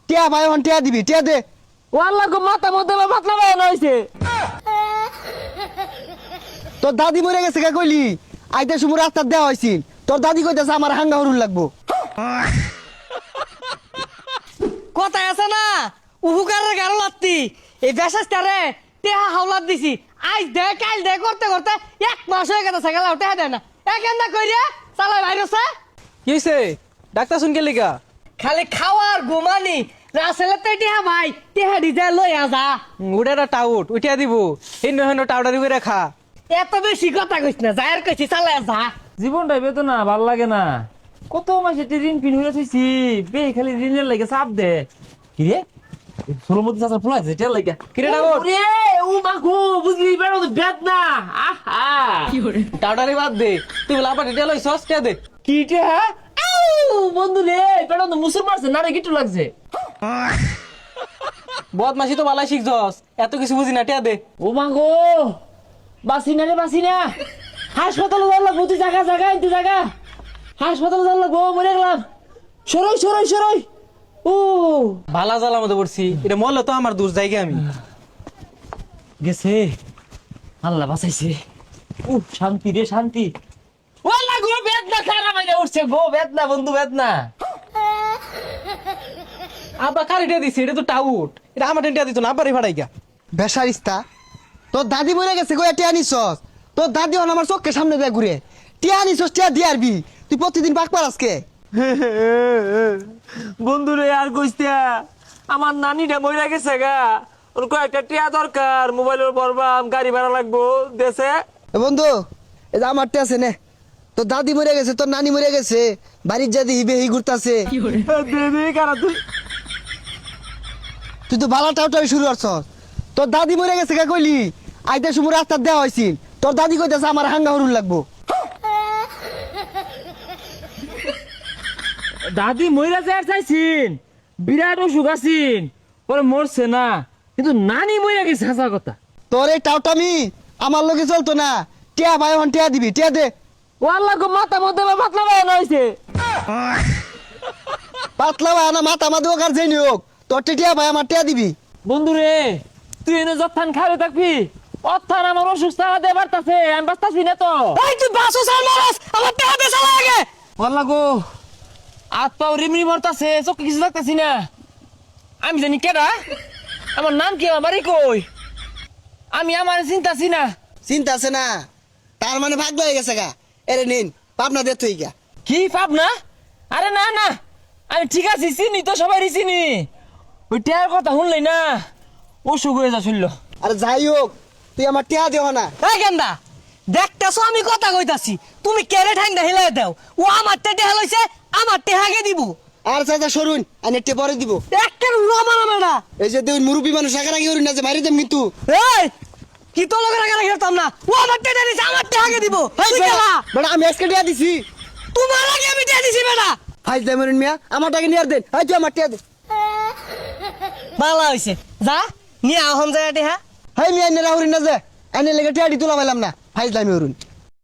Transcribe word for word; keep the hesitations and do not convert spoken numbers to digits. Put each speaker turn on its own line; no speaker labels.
টিয়া ভাই হন টিয়া দিবি টিয়া দে।
ওয়াল্লাহ গো মাথা মধ্যে পাতলা বানানো হইছে।
তোর দাদি মরে গেছে কে কইলি? আইতে সময় রাস্তা দেওয়া হয়েছিল, তোর দাদি কইতেছে আমার হাঙ্গা হরুন লাগবো।
কথায় আছে না উহুকারের গারো লাত্তি, এই বেশাস্তারে টেহা হাওলাত দিছি। আজ দে কাল দে করতে করতে এক মাস হয়ে গেছে সেগুলা টেহা দেয় না। একেন্দা কইরে চালাই ভাইরসে
কি হইছে? ডাক্তার শুন কে লিগা?
খালি খাওয়ার ঘুমানি রাসেলে তো টেহা ভাই টেহা ডিজে লই আজা।
উড়াটা টাউট উঠিয়া দিব, হিন্দু হিন্দু টাউডারি করে খা।
এত বেশি কথা কইছ না, যায়ের কইছি চালাই আজা।
জীবনটাই বেদনা ভাল লাগে না। কত মাসে ঋণ পিন হয়ে থইছি, বে খালি ঋণের লাগে চাপ দে। কি রে সোলমতি চাচা ফুল আছে তেল লাগে
কি রে টাউট?
রে ও মা গো বুঝলি বেড়ো তো বেদনা। আহা
টাউডারি বাদ দে, তুই বলে আবার ডিটেল হইছস কে দে।
কি রে হ্যাঁ বন্ধু রে বেড়ো তো মুসুর মারছে না রে গিট্টু লাগছে।
বদমাশি তো বালাই শিখছস, এত কিছু বুঝি না টিয়া দে।
ও মা গো বাসি না রে বাসি না, হাসপাতালে যাওয়ার লাগবো। তুই জায়গা জায়গা তুই জায়গা হাসপাতালে যাওয়ার লাগবো, মরে গেলাম। সরই সরই সরই ও
ভালা জ্বালার মধ্যে পড়ছি, এটা মরলে তো আমার দূর জায়গা। আমি
গেছে আল্লাহ বাঁচাইছে। ও শান্তি রে শান্তি। ওলা গো বেদনা খারাপ হয়ে উঠছে গো, বেদনা বন্ধু বেদনা।
আবার কার টিয়া দিছি? এটা তো টাউট, এটা আমার টিয়া দিত না, আবারই ভাড়াই গা।
বেসারিস্তা, তোর দাদি মরে গেছে কই টিয়া নিছস? তোর দাদি হন আমার চোখের সামনে দেয় ঘুরে। টিয়া নিছস টিয়া দিয়ে আরবি, তুই প্রতিদিন পাক পার আজকে।
বন্ধু রে আর কইস্তা, আমার নানিটা মইরা গেছে গা, ওর কয়েকটা টিয়া দরকার, মোবাইলের বরবাম গাড়ি ভাড়া লাগবো দেশে।
এ বন্ধু, এই যে আমার টিয়া আছে নে। তোর দাদি মরে গেছে, তোর নানি মরে গেছে, বাড়ির যদি হিবে হি ঘুরতাছে। তুই তো বালা টাউটাই শুরু করছস। তোর দাদি মরে গেছে কে কইলি? আইতে সময় রাস্তা দেওয়া হয়েছিল, তোর দাদি কইতেছে আমার হাঙ্গা হরুন লাগবো।
দাদি মইরা যায় চাইছিন, বিরাট অসুখ আছিন, পরে মরছে না, কিন্তু নানি মইরা গেছে হাসা কথা।
তোর এই টাউটামি আমার লোকে চলতো না। টিয়া ভাই হন টিয়া দিবি টিয়া দে।
ওয়াল্লাহ গো মাথা মধ্যে পাতলা বানানো হইছে।
পাতলা ভাই না মাথা মাদু কার যাই হোক, তোর টিয়া ভাই আমার টিয়া দিবি।
বন্ধু রে তুই এনে যত্থান খাবে থাকবি, অত্থান আমার অসুখ চালা দিয়ে বাড়তাছে, আমি বাঁচতাছি না তো।
এই তুই বাসু সাল মারাস, আমার টেহা দে চালাই আগে।
ওয়াল্লাহ গো হাত পাও রিমরি ভরতাছে, চোখে কিছু লাগতাছি না। আমি জানি কেডা, আমার নাম কি, আমার বাড়ি কই, আমি আমার চিন্তাছি না।
চিন্তা আছে না, তার মানে ভাগ্য হয়ে গেছে গা। এরে নিন পাবনা দে তুই গা।
কি পাপ না? আরে না না আমি ঠিক আছি, চিনি তো সবাই চিনি। ওই টেয়ার কথা শুনলেই না অসুখ হয়ে যা শুনল।
আরে যাই হোক, তুই আমার টিয়া দেও না।
এই গেন্দা দেখতেছো আমি কথা কইতাছি, তুমি কেড়ে ঠ্যাংটা হিলাই দাও। ও আমার টেহা লইছে, আমার টেহাকে দিব।
আর চাচা সরুন, আমি একটু পরে দিব।
একটা রমা রমেনা
এই যে তুই মুরব্বী মানুষ আগে হরুন না যে মারি দেম কিন্তু।
এই কি তো লোকের আগে খেলতাম না। ও আমার টেহা দিছে, আমার টেহাকে দিব। তুই গেলা
বেটা আমি আজকে টিয়া দিছি।
তোমার আগে আমি টেহা দিছি বেটা।
ফাইজ দে মরুন মিয়া, আমার টাকা নিয়ে আর দেন। এই তুই আমার টিয়া দে।
ভালো হইছে, যা নিয়ে আহম যায় টেহা।
হাই মিয়া এনে রাহুরিন না যে, এনে লেগে টিয়া দি তোলা পাইলাম না। ফাইজ দামি হরুন।